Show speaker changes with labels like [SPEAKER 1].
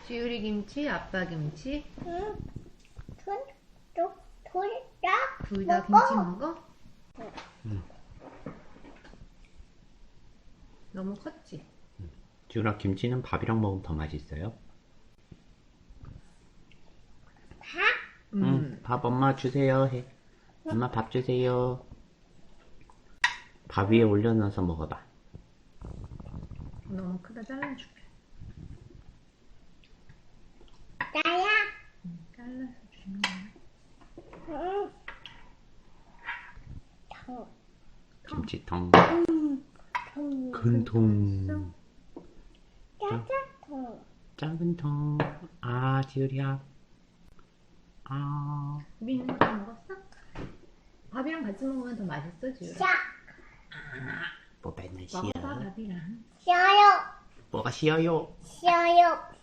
[SPEAKER 1] 지우리 김치, 아빠 김치.
[SPEAKER 2] 응. 둘
[SPEAKER 1] 둘
[SPEAKER 2] 다
[SPEAKER 1] 다 김치 먹어?
[SPEAKER 3] 응.
[SPEAKER 1] 너무 컸지?
[SPEAKER 3] 지훈아, 김치는 밥이랑 먹으면 더 맛있어요?
[SPEAKER 2] 밥?
[SPEAKER 3] 응, 밥 엄마 주세요 해. 엄마 밥 주세요. 밥 위에 올려놔서 먹어봐.
[SPEAKER 1] 너무 크다. 잘라줄게.
[SPEAKER 2] 나야?
[SPEAKER 1] 잘라서 주는 거야.
[SPEAKER 2] 응. 통.
[SPEAKER 3] 김치통.
[SPEAKER 2] 통.
[SPEAKER 3] 큰 통.
[SPEAKER 2] 짜자통.
[SPEAKER 3] 작은 통. 아, 지율이야. 아.
[SPEAKER 1] 우리 이거 다 먹었어? 밥이랑 같이 먹으면 더 맛있어, 지우라.
[SPEAKER 2] 자.
[SPEAKER 3] 뽀배는
[SPEAKER 1] 먹어봐,
[SPEAKER 3] 싫어.
[SPEAKER 1] 밥이랑.
[SPEAKER 2] 쉬어요.
[SPEAKER 3] 뭐가 싫어요?
[SPEAKER 2] 쉬어요.